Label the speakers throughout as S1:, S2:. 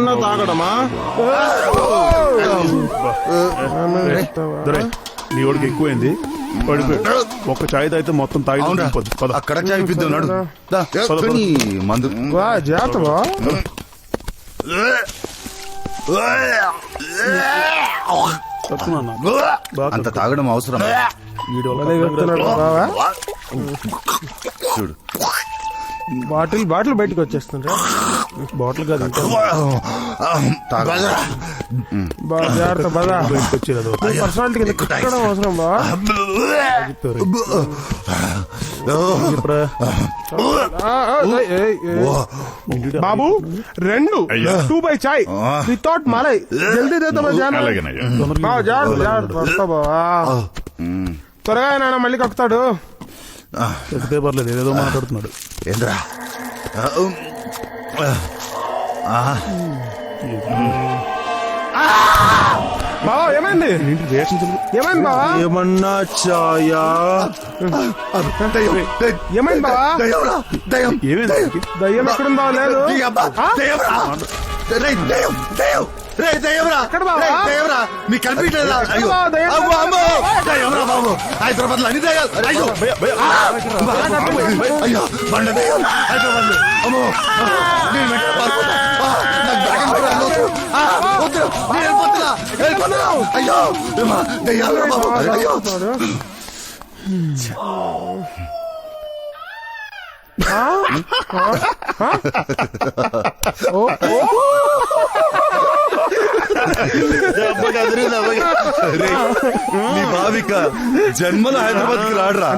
S1: ఏమన్నా తాగడమా?
S2: నీ వాడికి ఎక్కువైంది, పడిపోయాడు. ఒక్క చాయ్ తాగితే మొత్తం తాగి
S3: అక్కడ చాయ్ పిద్దాం మందు
S1: జాతవా
S3: అంత తాగడం అవసరం. చూడు
S1: బాటిల్ బయటకు వచ్చేస్తుండ్రా. బాటిల్ కాదు జాగ్రత్త బాగా బయటకు వచ్చేది. పర్సనాలిటీ కింద కట్టడం అవసరం బా. బాబు 2 2 చాయ్ వితౌట్ మలై జల్దీ దేతా జాగ్రత్త బావా. త్వరగా నాన్న మళ్ళీ కక్కుతాడు.
S2: చెప్తే పర్లేదు, ఏదో మాట్లాడుతున్నాడు.
S3: ఏంద్రా
S1: బావా ఏమైంది? ఏమైంది బావా?
S3: ఏమన్నా చాయా?
S1: ఏమైంది బావా?
S3: దయ్యం
S1: దయ్యం ఎక్కడుందా? లేదు
S3: మీకు కనిపించలేదా? బాబు హైదరాబాద్ లో అన్ని దయ్యాలు. అయ్యో బండ దయ్యం హైదరాబాద్ లో. అమ్మో అయ్యో దయ్యాలు బాబు. అయ్యో నీ భావిక జన్మలో హైదరాబాద్ కి రాడరా.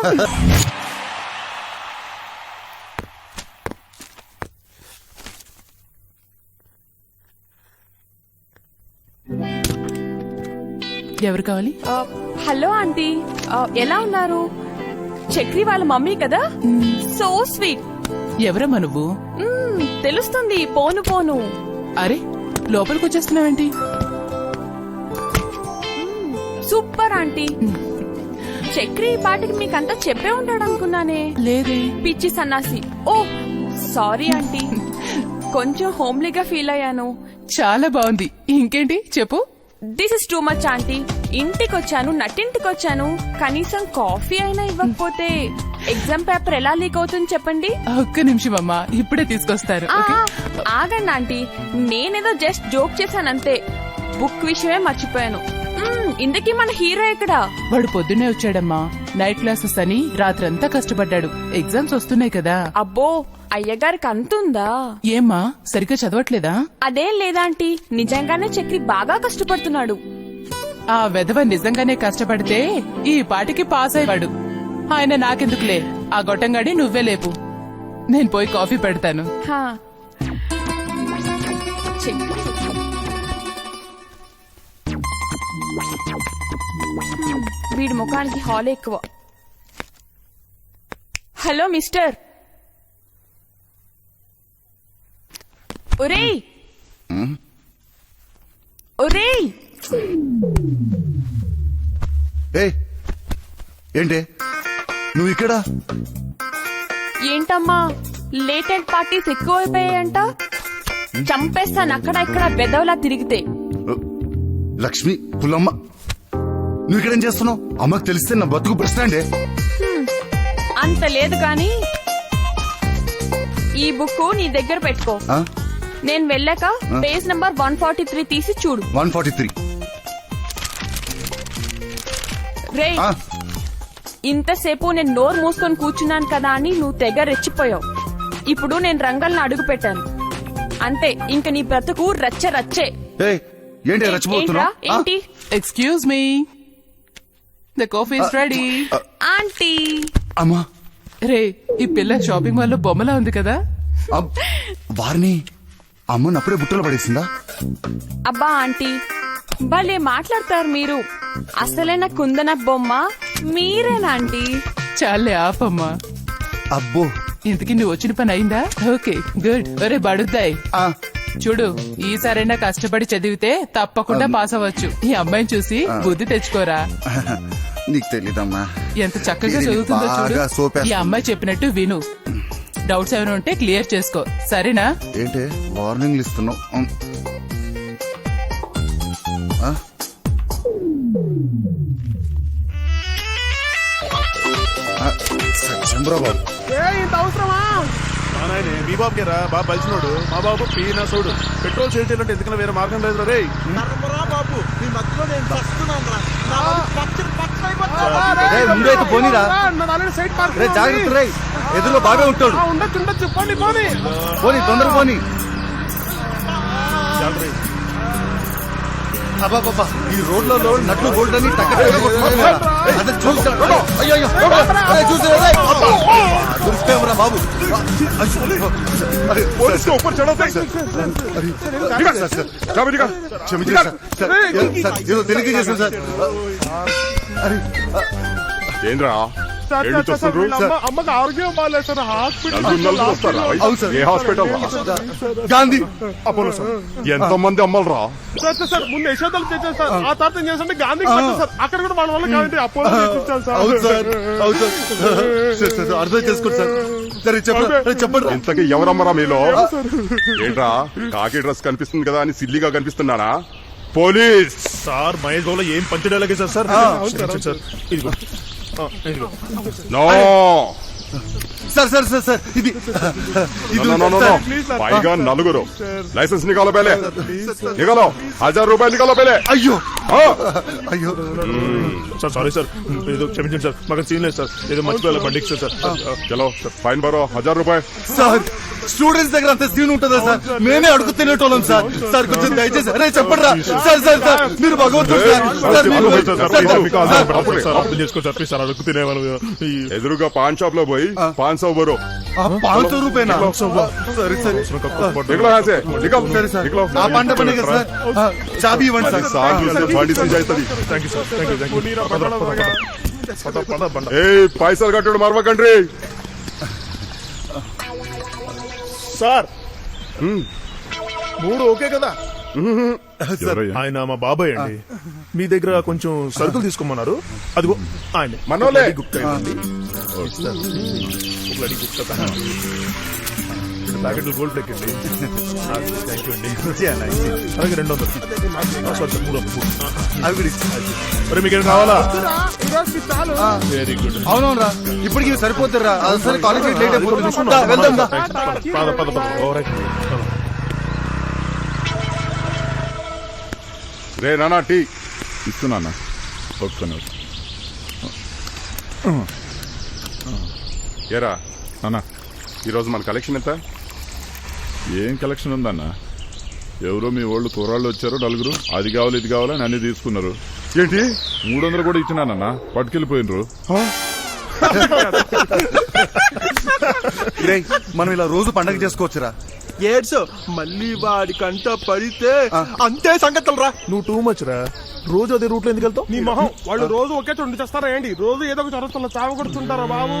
S4: ఎవరు కావాలి?
S5: హలో ఆంటీ, ఎలా ఉన్నారు? చక్రి వాళ్ళ మమ్మీ కదా, సో స్వీట్.
S4: ఎవరమ్మా నువ్వు?
S5: తెలుస్తుంది పోను పోను.
S4: అరే లోపలికి వచ్చేస్తున్నావేంటి?
S5: Super aunty. చక్రి ఈ పాటికి మీకంతా చెప్పే ఉంటాడు అనుకున్నానే.
S4: లేదే.
S5: పిచ్చి సన్నాసి. ఓ సారీ ఆంటీ, కొంచెం హోమ్లీగా ఫీల్ అయ్యాను.
S4: చాలా బాగుంది. ఇంకేంటి చెప్పు.
S5: This is too much aunty. ఇంటికొచ్చాను, నట్టింటికొచ్చాను, కనీసం కాఫీ అయినా ఇవ్వకపోతే ఎగ్జామ్ పేపర్ ఎలా లీక్ అవుతుంది చెప్పండి.
S4: ఒక్క నిమిషం అమ్మా, ఇప్పుడే తీసుకొస్తారు.
S5: ఆగండి ఆంటీ, నేనేదో జస్ట్ జోక్ చేశానంతే. బుక్ విషయమే మర్చిపోయాను. ఇందుకీ మన హీరో ఎక్కడా?
S4: వాడు పొద్దున్నే వచ్చాడమ్మా. నైట్ క్లాసెస్ అని రాత్రంతా కష్టపడ్డాడు. ఎగ్జామ్స్ వస్తున్నాయి కదా.
S5: అబ్బో అయ్యగారికి అంతుందా?
S4: ఏమ్మా సరిగ్గా చదవట్లేదా?
S5: అదేం లేదాంటీ, నిజంగానే చక్రి బాగా కష్టపడుతున్నాడు.
S4: ఆ వెధవ నిజంగానే కష్టపడితే ఈ పాటికి పాస్ అయ్యాడు. ఆయన నాకెందుకులే, ఆ గొట్టంగాడి నువ్వే లేపు. నేను పోయి కాఫీ పెడతాను.
S5: వీడి ముఖానికి హాల్ ఎక్కువ. Hello mister. ఒరేయ్ ఒరేయ్.
S3: ఏంటి నువ్వు ఇక్కడ?
S5: ఏంటమ్మా లేట్ నైట్ పార్టీస్ ఎక్కువైపోయాయంట. చంపేస్తాను అక్కడ ఇక్కడ బెదవలా తిరిగితే.
S3: లక్ష్మి పుల్లమ్మ, నువ్వు ఇక్కడేం చేస్తున్నావు? అమ్మకు తెలిస్తే నా బతుకు ప్రశ్నండే.
S5: అంత లేదు కాని ఈ బుక్ నీ దగ్గర పెట్టుకో. నేను వెళ్ళాక పేజ్ నంబర్ 143 తీసి చూడు.
S3: 143.
S5: రే ఇంతసేపు నేను నోరు మూసుకొని కూర్చున్నాను కదా అని నువ్వు తెగ రెచ్చిపోయావు. ఇప్పుడు నేను రంగల్ని అడుగు పెట్టాను అంతే. ఇంక నీ బ్రతుకు రచ్చ రచ్చే.
S3: ఏంటి రెచ్చిపోతున్నావు?
S5: ఏంటి?
S4: Excuse me, the coffee is ready.
S5: Aunty.
S3: అమ్మా
S4: రే ఈ పిల్ల షాపింగ్ మాల్ లో బొమ్మలా ఉంది కదా.
S3: వారిని అమ్మని అప్పుడే బుట్టలో పడేసిందా?
S5: అబ్బా ఆంటీ భలే మాట్లాడతారు మీరు. అసలైన కుందన బొమ్మ మీరేనా ఆంటీ?
S4: చాలే ఆపమ్మా.
S3: అబ్బో
S4: ఇంతకీ నువ్వు వచ్చిన పని అయిందా? Okay good. ఒరే బడుద్దాయి చూడు, ఈసారైనా కష్టపడి చదివితే తప్పకుండా పాస్ అవ్వచ్చు. ఈ అమ్మాయిని చూసి బుద్ధి తెచ్చుకోరా.
S3: నీకు తెలీదమ్మా
S4: ఎంత చక్కగా చదువుతుందో చూడు. ఈ అమ్మాయి చెప్పినట్టు విను. డౌట్స్ ఏమైనా ఉంటే క్లియర్ చేసుకో, సరేనా?
S3: ఏంటే వార్నింగ్లు ఇస్తున్నావు? సత్యంబ్రా బాబు,
S1: ఇంత అవసరమా?
S2: నాయనే మీ బాబుకే రా బాబు బలిసినోడు. మా బాబు పీనా సోడు. పెట్రోల్ సేల్ చేయాలంటే ఎందుకన్నా వేరే మార్గం లేదు రే.
S1: బాబు మీ మధ్యలో నేను వస్తున్నాను
S3: ముందైతే పోనీరా. రే జాగ్రత్త రే, ఎదురులో బాగా ఉంటాడు.
S1: ఉండొచ్చు ఉండొచ్చు, పోనీ పోనీ.
S3: పోనీ తొందరగా పోనీ. అబ్బాబ్బా, ఈ రోడ్లలో నట్లు బోల్ట్ అని చూసారా బాబు? ఏదో తెలియక చేశాను సార్.
S2: ఏంద్రా
S1: అమ్మకి ఆరోగ్యం బాగాలేదు సార్, హాస్పిటల్.
S3: అవును సార్.
S2: ఏ హాస్పిటల్ రా?
S3: Gandhi
S2: Apollo sir. ఎంత మంది అమ్మలు రా?
S1: సార్ ముందు యశోదలు తెచ్చాను సార్, ఆ తర్వాత ఏం చేస్తాంటే గాంధీ సార్, అక్కడ కూడా మన వల్ల కాబట్టి అపోలో తెప్పించాను సార్.
S3: అవును సార్, అవును సార్. అర్థం చేసుకోండి సార్. సరే చెప్పండి.
S2: ఇంతకీ ఎవరమ్మరా మీలో? ఏంట్రా కాకి డ్రెస్ కనిపిస్తుంది కదా అని సిల్లిగా కనిపిస్తున్నానా? పోలీస్
S6: సార్ మహేష్ బాబులో ఏం పంచడేలాగే సార్. సార్ ఇదిగో
S2: నో
S3: సార్ ఇది
S2: పైగా నలుగురు. లైసెన్స్ నికాలో పేలే, నికాలో 1000 రూపాయలు నికాలో పేలే.
S3: అయ్యో
S2: ఆ,
S3: అయ్యో
S6: సార్ సారీ సార్, ఏదో క్షమించండి సార్, మాకు సీన్ లేదు సార్, ఏదో మర్చిపోయాలి బండికి సార్.
S2: చలో ఫైన్ బరో 1000 రూపాయలు.
S3: సార్ స్టూడెంట్స్ దగ్గర అంత సీన్ ఉంటుందా సార్? మేమే అడుగు తినేటోళ్ళం సార్. సార్ కొంచెం దయచేసి అరే చెప్పండి రా సార్. మీరు భగవంతుడు
S6: సార్ అడుగు తినేవాళ్ళు.
S2: ఎదురుగా పాన్ షాప్ లో పోయి 500 బరో.
S3: 500 రూపాయనా? సరే
S2: నికలో హాసే నికల్.
S3: సరే సార్,
S2: నికలో.
S3: ఆ పంట పండుగ సార్. చాబీ ఇవ్వండి సార్.
S2: బండి సీజ్ అవుతుంది.
S6: Thank you sir.
S2: ఏ పైసలు కట్టడు మరవకండ్రి
S6: సార్ 3 ఓకే కదా? ఆయన మా బాబాయ్ అండి. మీ దగ్గర కొంచెం సరుకులు తీసుకోమన్నారు. అదిగో ఆయన
S2: మనోలే.
S6: ప్యాకెట్లు గోల్డ్ ప్యాకెట్ అండి. థ్యాంక్ యూ అండి. అలాగే 200. Sorry sir 300. మరి మీకేం కావాలా? Very good.
S3: అవునవునరా, ఇప్పటికి సరిపోతారా? సరే కాలేజ్ లేట్ అయిపోతుంది, వెళ్దాం.
S6: పద.
S2: రే నానా టీ
S7: ఇస్తున్నా ఒప్పుకొని.
S2: ఏరా
S7: అన్నా
S2: ఈరోజు మన కలెక్షన్ ఎంత?
S7: ఏం కలెక్షన్ ఉందన్నా? ఎవరో మీ వాళ్ళు కుర్రాళ్ళు వచ్చారు నలుగురు, అది కావాలి ఇది కావాలని అన్ని తీసుకున్నారు.
S2: ఏంటి
S7: 300 కూడా ఇచ్చినానన్నా, పట్టుకెళ్ళిపోయినరు.
S3: మనం ఇలా రోజు పండగ చేసుకోవచ్చురా.
S1: ఏడ్స్ మళ్ళీ వాడి కంట పడితే అంతే సంగతులు రా.
S6: నువ్వు టూ మచ్ రా. రోజు అదే రూట్ లో ఎందుకు వెళ్తావు?
S1: నీ మొహం, వాళ్ళు రోజు ఒకే చోటు చేస్తారా ఏంటి? రోజు ఏదో ఒక చొరస్తున్నా చావ కొడుతుంటారా బాబు?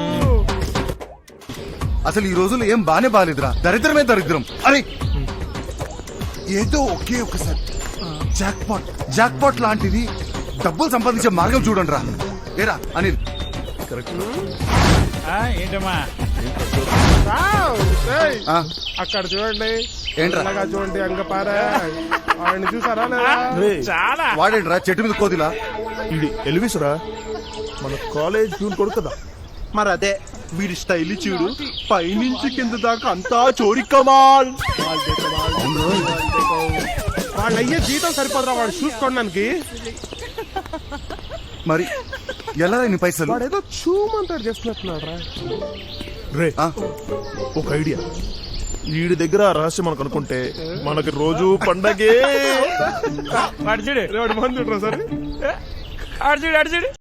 S3: అసలు ఈ రోజులు ఏం బాలేదురా, దరిద్రమే దరిద్రం. అరే ఏదో ఒకే ఒకసారి జాక్ పాట్ లాంటిది డబ్బులు సంపాదించే మార్గం చూడండి రా. ఏరా అనిల్,
S8: ఏంటమ్మా
S1: అక్కడ చూడండి,
S3: ఏంట్రా?
S1: అలాగా చూడండి అంగపారా. ఆయన చూసారా లేదా?
S8: చాలా
S3: వాడేంట్రా చెట్టు మీద కోదిలా?
S6: ఇది ఎలివిసురా, మన కాలేజ్ ప్యూన్ కొడుకు కదా.
S1: మరి అదే వీడి స్టైల్ చూడు, పైనుంచి కింద దాకా అంతా చోరీ కమాల్. వాళ్ళు అయ్యే జీతం సరిపోదురా వాడు చూసుకోవడానికి.
S3: మరి ఎలా నీ పైసలు?
S1: వాడు ఏదో చూమంటాడు చేస్తున్నట్టున్నాడు రా.
S6: రే ఒక ఐడియా, వీడి దగ్గర రహస్యం మనకు అనుకుంటే మనకి రోజు పండగే.
S8: అడిచిడు
S1: వాడు మంది సరే
S8: అడిచిడు